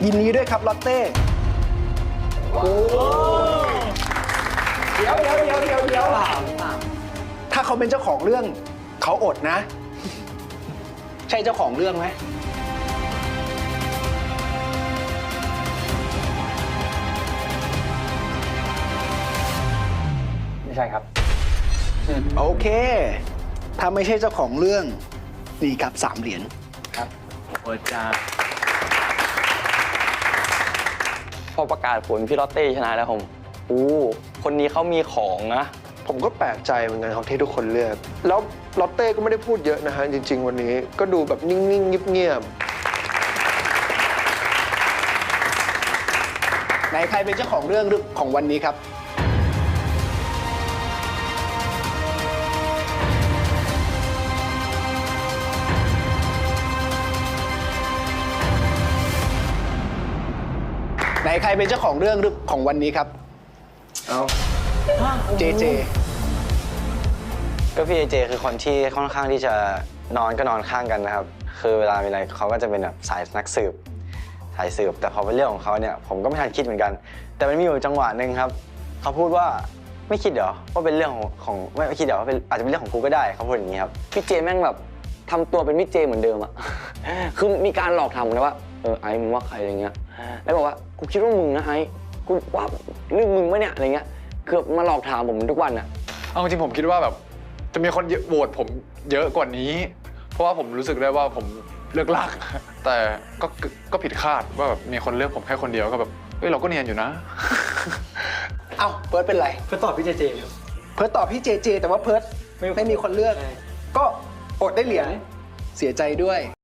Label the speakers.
Speaker 1: ยินดีด้วยครับลอตเต้โอ้เดี๋ยวถ้าเขาเป็นเจ้าของเรื่องเขาอดนะ ใช่เจ้าของเรื่องไหม
Speaker 2: ไม่ใช่ครับ
Speaker 1: โอเค ถ้าไม่ใช่เจ้าของเรื่องนี่ครับ3 เหรียญ
Speaker 2: ครับโอ้จ้า
Speaker 3: พอประกาศผลพี่ลอตเต้ชนะแล้วผมคนนี้เขามีของนะ
Speaker 4: ผมก็แปลกใจเหมือนกันครับที่ทุกคนเลือกแล้วลอตเต้ก็ไม่ได้พูดเยอะนะฮะจริงๆวันนี้ก็ดูแบบนิ่งๆเงียบ
Speaker 1: ไหนใครเป็นเจ้าของเรื่องของวันนี้ครับไหนใครเป็นเจ้าของเรื่องของวันนี้ครับเอาเจเจ
Speaker 3: ก็พี่เจคือคนที่ค่อนข้างที่จะนอนก็นอนข้างกันนะครับ คือเวลามีอะไรเขาก็จะเป็นแบบสายนักสืบสายสืบแต่พอเป็นเรื่องของเขาเนี่ยผมก็ไม่ทันคิดเหมือนกัน แต่มันมีอยู่จังหวะหนึ่งครับเขาพูดว่าไม่คิดเหรอว่าเป็นเรื่องของไม่คิดเหรอว่าเป็นอาจจะเป็นเรื่องของกูก็ได้เขาพูดอย่างนี้ครับพี่เจแม่งแบบทำตัวเป็นพี่เจเหมือนเดิมอะ คือมีการหลอกถามผมนะว่าไอ้มึงว่าใครอะไรเงี้ยแล้วบอกว่ากูคิดว่ามึงนะไอ้กูว่าเรื่องมึงไหมเนี่ยอะไรเงี้ยคือมาหลอกถามผมทุกวันอะ
Speaker 2: เอาจริงผมคิดว่าแบบจะมีคนโหวตผมเยอะกว่านี้ เพราะว่าผมรู้สึกได้ว่าผมเลือกลาก แต่ก็ผิดคาดว่าแบบมีคนเลือกผมแค่คนเดียวก็แบบเราก็เนียนอยู่นะ
Speaker 1: เอ้าเพิร์ดเป็นไร
Speaker 5: เพื่อตอบพี่เจเจครับ
Speaker 1: เพิร์ดตอบพี่เจเจแต่ว่าเพิร์ดไม่มีคนเลือก ก็อดได้เหรียญเสียใจด้วย